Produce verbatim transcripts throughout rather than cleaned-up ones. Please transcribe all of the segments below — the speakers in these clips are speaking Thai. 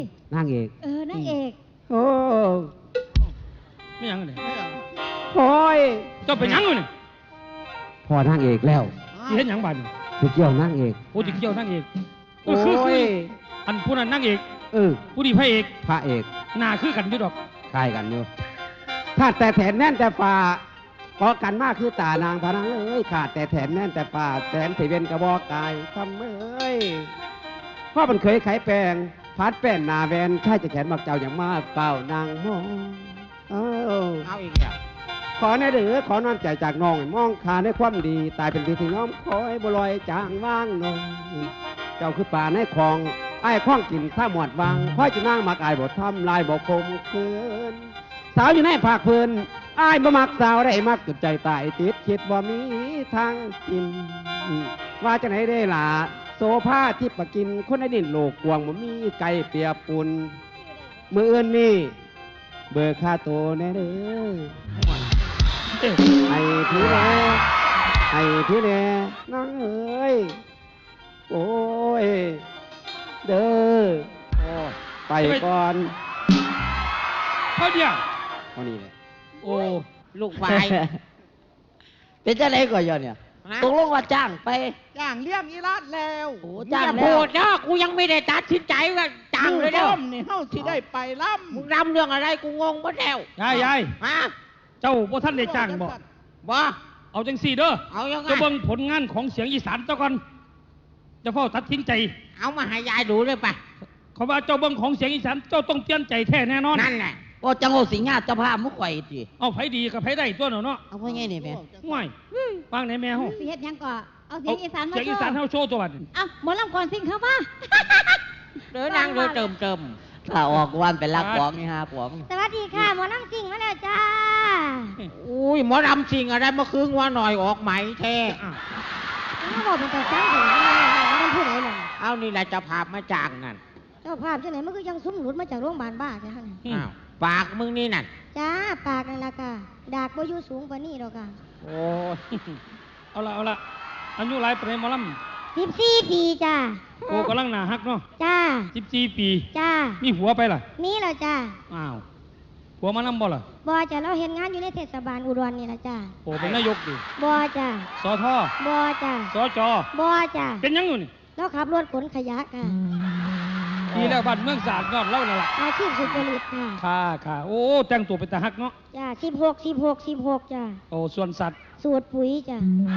นางเอกเออนางเอกโอ้ไม่ยังเนี่ยโอ้ยเจ้าเป็นยังอยู่เนี่ยพอนางเอกแล้วที่เห็นหยังบ้านนี่ไปเกี่ยวนางเอกโอ้ติเกี่ยวนั่งเอกเอโอ้อคือคืยออันผู้นั้นนั่งเอกเออผู้นี้พระเอกพระเอกหน้าคือกันอยู่ดอกคล้ายกันอยู่ขาดแต่แถนแน่นแต่ฝ่าพอกันมากคือตานางพนังเอ้ยขาดแต่แถนแน่นแต่ฝ่าแถนสีเวนกระบอกกายทำเอ้ยพ่อมันเคยไขแปลงพัดแป้นนาแวนใช่จะแขนมักเจ้าอย่างมากเปล่านางมองเออเอาอีกแล้วขอแน่เดือขอนอนใจจากน้องมองขาในความดี ตายเป็นดีที่น้อมคอยบลอยจางว่างน้องเจ้าคือป่าในคลองไอ้ข้องกินข้าหมวดวังค่อยจะนั่งมักอายบททำลายบอกคมคืนสาวอยู่ในภาคพื้นไอ้บ่มักสาวได้มักจุดใจตายติดคิดว่ามีทางกิน ว่าจะไหนได้ล่ะโซผ้าที่ปะกินคนในดินโลกกวางบ่มีไก่เปียปุนมืออื่นนี่เบิกค่าโตแน่เด้อเอ๊ะไอ้พี่แน่ไอ้พี่แน่น้องเอ้ยโอ้ยเด้อโอ้ไปก่อนเขาเดียวเท่านี้เลยโอ้ลูกไฟเป็นจะไหนก่อนยเนี่ยตกลงว่าจ้างไปจ้างเลี้ยงอีรัดแล้วโอ้จ้าจ้าง งพูแล้วดเนาะกูยังไม่ได้ตัดสินใจว่าจ้างเลยเด้อร่มนี่เฮาสิได้ไปล่มึงรำเรื่องอะไรกูงงหมดแล้วยายยายฮะเจ้าบ่ท่านได้จ้างบ่บ่เอาจังสี่เด้อเอายังไงเจะเบิ่งผลงานของเสียงอีสานเจ้าก่อนจะเฝ้าตัดสินใจเอามาให้ยายดูเลยปะเขาว่าเจ้าเบิ่งของเสียงอีสานเจ้าต้องเปลี่ยนใจแท้แน่นอนนั่นแหละก็จังโอสิงหาเจ้าภาพมุกไข่จีเอาไผดีกับไผได้ตัวเนาะเนาะเอาไว้ไงนี่แม่ห่วยฟังไหนแม่เฮาสิเฮ็ดหยังก่อเอาเสียงอีสานมาเสียงโชอีสานว์เฮาโชว์ตัวบัดนี้เอ้าหมอลำก่อนสิงเข้ามาเดินนางเดินเติมเติมถ้าออกวันเป็นลักของนี่ฮะของสวัสดีค่ะหมอลำสิงมาแล้วจ้าอุ้ยหมอรำจริงอะไรเมื่อคืนว่าหน่อยออกไหมแท้น้าบอกเป็นตัวจ้างถึงมันผู้ใดล่ะเอานี่แหละจะพามาจ้างนั่นเจ้าภาพจังไหนมันก็ยังซุ้มหลุดมาจากโรงพยาบาลบ้าจ้ะอืมอ้าวปากมึงนี่นั่นจ้าปากนั่นล่ะค่ะดากบ่อยู่สูงกว่านี้ดอกค่ะโอ้ยเอาละเอาละอายุหลายปานใดหมอลสิบสี่ปีจ้าำโอ้กำลังหน้าฮักเนาะจ้าสิบสี่ปีจ้ามีหัวไปล่ะนี่แหละจ้าอ้าวหัวมานํบ่ล่ะบ่จ้าเราเห็นงานอยู่ในเทศบาลอุดรนี่ล่ะจ้าโอ้เป็นนายกดิบ่จ้าสอทอบ่จ้าสอจอบ่จ้าเป็นหยังอยู่นี่เราขับรถขนขยะค่ะดีแล้วบ้านเมืองสะอาดยอดเล่านั่นล่ะอาชีพสุจริตค่ะค่ะค่ะโอ้แต่งตัวเป็นตาฮักเนาะจ้าสิบหกสิบหกสิบหกจ้าโอ้ส่วนสัตว์สูตรปุ๋ยจ้าก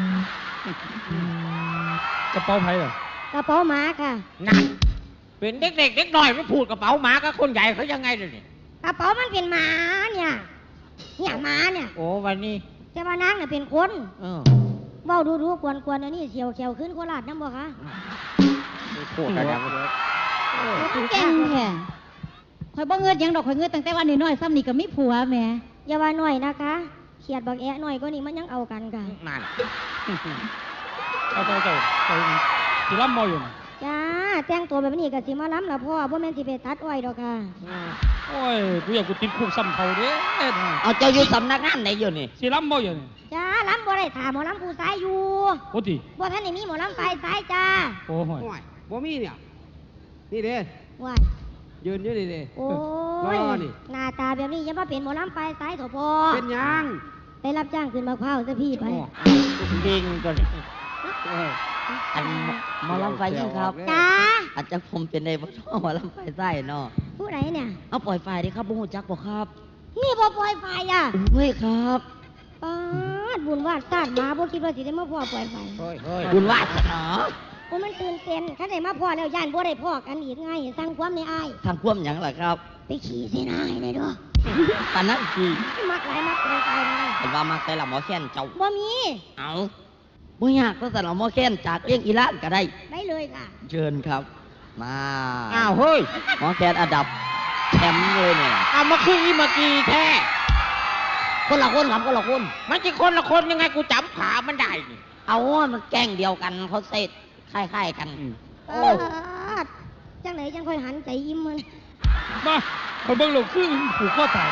ระเป๋าไผล่ะกระเป๋าหมาค่ะนั่นเป็นเด็กๆเด็กน้อยไม่พูดกระเป๋าหมากับคนใหญ่เขายังไงเลยนี่กระเป๋ามันเป็นหมาเนี่ยเนี่ยหมาเนี่ยโอ้วันนี้แต่ว่านางเนี่ยเป็นคนเออเว้าดูดูกวนกวนอันนี้เสียวเขียวขึ้นโคราชน้ำบ่คะพูดอะไรกันเก่งแท้ข่อยบ่เงินหยังดอกข่อยเงินตั้งแต่วันน้อยๆซ้ำนี่ก็มีผัวแหม่อย่าว่าหน่อยนะคะเขียดบักแอะหน่อยก็นี่มันยังเอากันค่ะนั่นเอาเจ้าเจ้าเจ้าสิล้ำมออยู่น่ะจ้าแต่งตัวแบบนี้ก็สิมาล้ำละพ่อบ่แม่นสิไปตัดอ้อยดอกค่ะโอ้ยกูอยากกูติดคุกซ้ำเขาเด้เอาเจ้าอยู่สำนักงานไหนอยู่นี่สิล้ำมออยู่นี่จ้าล้ำบ่ได้ถามหมอล้ำผู้สายอยู่โอ้ติบ่ท่านได้มีหมอล้ำไฟสายจ้าโอ้โหโอ้ยบ่มีเนี่ยนี่เด้ว้ายยืนอยู่นี่เด้โอ้ยรอนี่หน้าตาแบบนี้อย่ามาเป็นหมอล้ำไฟสายเถอะพ่อเป็นหยังไปรับจ้างขึ้นมะพร้าวซะพี่ไปดิงตัวนี้โอ้ยอันหมอลำไฟยิ่งครับจ้าอาจจะผมเป็นในบ่ท้อหมอลำไฟไส้เนาะผู้ไหนเนี่ยเอาปล่อยไฟดิครับบุ้งจักบอกครับนี่บ่ปล่อยไฟอ่ะเฮ้ยครับปาดบุญวาดซาดหมาบ่คิดว่าสิได้มาพ่อปล่อยไฟเฮ้ยเฮ้ยบุญวาสนาโอ้มันตื่นเต้นคันได้มาพ่อแล้วย่านบ่ได้พ่อกันอีกไงสั่งความในอ้ายทางพ่วมหยังล่ะครับไปขี่เสนาให้ได้เด้อปานนั้นคือมักหลายมักปล่อยไฟนะเห็นว่ามาใส่ละหมอแค้นเจ้าบ่มีเอาบ่ยากก็ใส่ละหมอแค้นจากเลี้ยงอีหลานก็ได้ได้เลยค่ะเชิญครับ มาอ้าวเฮ้ยหมอแค้นอันดับแชมป์เลยเนี่ยเอามาคืออีเมื่อกี้แท้คนละคนครับคนละคนมันจะคนละคนยังไงกูจำขามันได้นี่เอามันแกล้งเดียวกันเขาเซตคล้ายๆกันปาดจังไหนจังค่อยหันใจยิ้มมันมาคนเบิ่งโลกคือผูกข้อตาย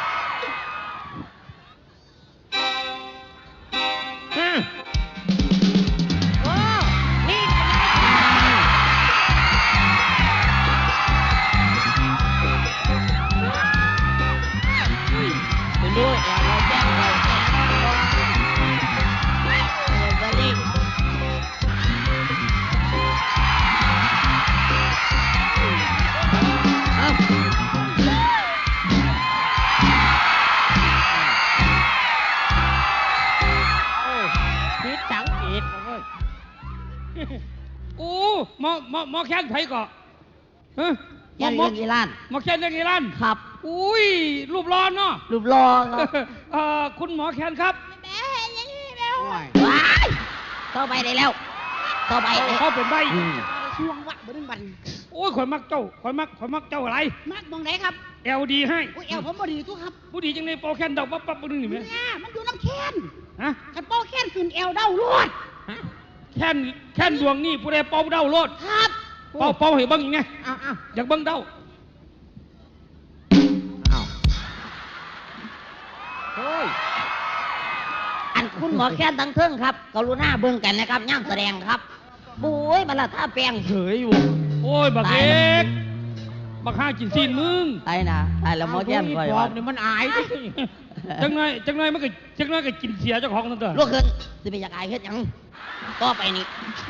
อืมโอ้นี่นะหมอแค้นไผก่อฮะหมแค่อหมเลี้อยงอีหล้านหมอแค้นเลี้ยงอีหลานครับอุ้ยรูปร้อนเนาะรูปรอครับเอ่อคุณหมอแค้นครับว้ายเข้าไปได้แล้วเข้าไปเลยเขาเป็นใบช่วงวะบ่ได้บันโอ้ยข่อยมักเจ้าข่อยมักข่อยมักเจ้าอะไรมากมองไหนครับเอลดีให้โอ้ยเอวผมบ่ดีทุกครับผู้ดีจังในโปรแคนดอกปั๊บปั๊บปั๊บนึงนี่ไหมเนี่ยมันอยู่น้ำแค้นฮะคันเป้าแค้นขึ้นเอวเด้าลวดแค้นแค้นดวงนี่ผู้ใดเป่าเด้าโลดครับเป่าเป่าให้เบิ่งอีกไงอ้าวอ้าวอยากเบิ่งเด้าอ้าวเฮ้ยอันคุณหมอแค้นทั้งเทิงครับกรุณาเบิ่งกันนะครับย่ามแสดงครับบุ้ยบัลละท่าแปลงเฉยอยู่โอ้ยบักเอกบักห้ากินซีนมึงไอ้นะไอ้ละหมอแค้นคอยปอว่าบนี่มันอายดิจังไงจังไงมันก็จังไงก็กินเสียเจ้าของนั่นเถอะลูกขึ้นสิไปอยากอายเฮ็ดหยังต่อไปนี้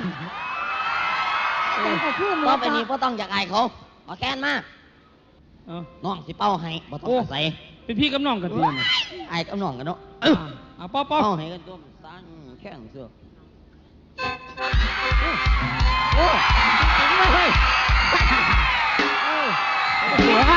จังเขาพูดหมต่อดไปนี้บ่ต้องอยากอายเขาหมอแค้นมาเอาน้องสิเป้าให้บ่ต้องอาศัยเป็นพี่กับน้องกันดีนะอายกับน้องกันเนาะเอาเป่าเป่าเป้าให้กันตัวสั้นแข้งเสือโอ้เฮ้ยว้าว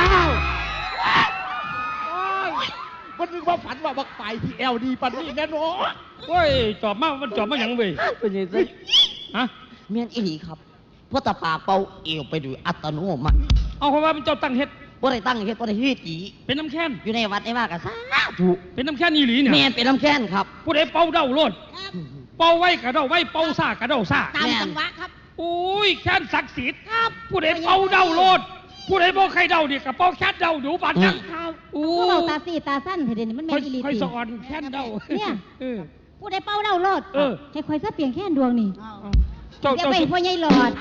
มันนึกว่าฝันว่าบักไปที่เอลดีปันนี่แน่นอนโอ้ยจอบมามันจอบมาหยังเว้ยเป็นยังไงฮะเมียนอีหลีครับเพราะตาปาเป่าเอวไปโดยอัตโนมัติเอาเพราะว่าเป็นเจ้าตั้งเฮ็ดบ่ได้ตั้งเฮ็ดบ่ได้เฮ็ดจีเป็นน้ำแค้นอยู่ในวัดในว่าก็สาธุเป็นน้ำแค้นอีหลีเนี่ยแม่นเป็นน้ำแค้นครับผู้ใดเป่าเด้าโลดเป่าไว้กระเด้าไว้เป่าซ่ากระเด้าซ่าตามจังหวะครับโอ้ยแค้นศักดิ์สิทธิ์ครับผู้ใดเป่าเด้าโลดผู้ใดบ่ใครเด้าเนี่ยกับเป่าแค้นเด้าดูบัดจังโอ้ก็เบาตาสีตาสั้นเถอะเดี๋ยวนี้มันแม่ค่อยนอีหลีค่อยติสะอ่อนแค้นเด้าเนี่ยเออผู้ใดเป้าเล่าโลดเออแค่คอยซะเปลี่ยนแค่ดวงนี่เจ้าอย่าเจ้าไปพ่อใหญ่หลอด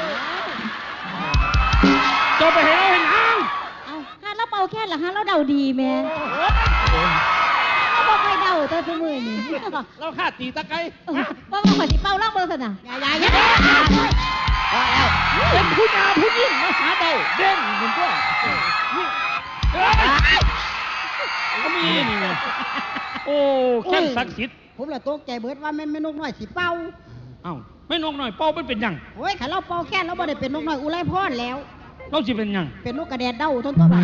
เจ้าไปเห็นเอาเห็นหางเอาข้าเราเป่าแค่ละฮะเราเดาดีแม่เราบอกใครเดาตัวสมือนี่เราฆ่าตีตะไคร้เออว่าว่าขอยสิเป่าล่องเบอร์สนะอย่าอย่าอย่าว่าแล้วเป็นผู้นาผู้ยิ่งมาหาเดาเด่นเหมือนตัวเอ้ยก็มีนี่ไงโอ้แค้นศักดิ์สิทธิ์ผมละตกใจเบิดว่าแม่นแม่นกน้อยสิเป่าเอ้าไม่นกหน่อยเป่ามันเป็นหยังโอ้ยขันเราเป่าแค่เราบ่ได้เป็นนกน้อยอุไรพรแล้วเราสิเป็นหยังเป็นนกกระแดดเด้าทนตัวบัก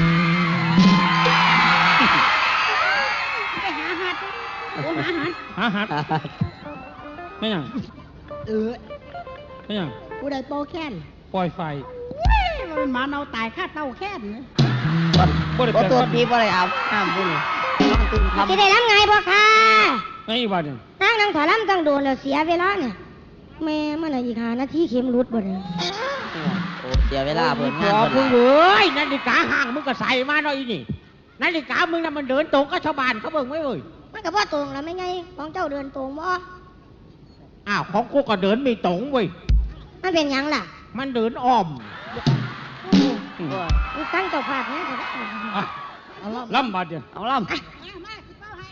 ไปหาหัดโอ้หาหัดหาหัดไม่หยังเออไม่หยังผู้ใดเป่าแค่นปล่อยไฟเว้ยมันหมาเนาตายค่าเต้าแค่นนะบ่ได้บ่แปลตัวว่าปีบ่ได้อาบน้ำบุญน้องตื่นทำจะได้รับไงบ่ค่ะไอ้บ้าเนี่ยนั่งนั่งถอยลำตั้งโดนแล้วเสียเวลาเนี่ยแม่มันอะไรอีกหานาทีเข็มรุดบ่เนี่ยโอ้เสียเวลาเพิ่นขงานอเพิ่นมึหงลายเอ้ยนาฬิกาห่างมึงก็ใส่มาหน่อยนี่นาฬิกามึงน่ะมันเดินตรงกับชาวบ้านเขาเบิ่งไว้เว้ยมันก็บ่ตรงแล้วไม่ไงของเจ้าเดินตรงบ่อ้าวของกูก็เดินไม่ตรงเว้ยมันเป็นหยังล่ะมันเดินอ้อมโอ้โหอืมมึงตั้งเจ้าภาพเนี่ยเถอะอ่ะเอาล่ะล่ำบาดเดียวเอาล่ำมาสิเป่าให้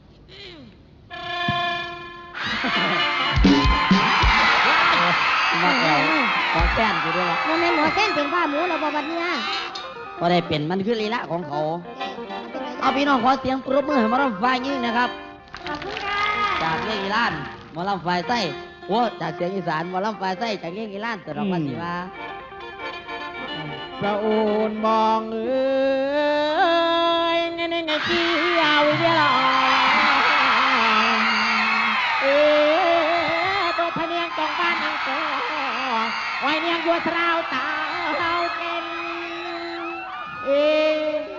มาแอวขอแค้นอยู่ด้วยล่ะมันแม่นหมอแค้นเป็นบ้าหมูแล้วบ่บัดเนี่ยบ่ได้เป็นมันคือลีลาของเขา เอาพี่น้องขอเสียงปรบมือให้หมอลำฝ่ายยิ่งนะครับขอบคุณค่ะจากเรื่องอีรานหมอลำฝ่ายใต้โอ้จากเสียงอีสานหมอลำฝ่ายใต้จากเรื่องอีรานแต่เราวันนี้ว่าพระโอนมองเอ้ยในในในที่ยาวเวลาเอ้ยตัวพะเนียงจองบ้านนางโตไว้เนียงยัวสราวตาเฮาเก่นเอ้ย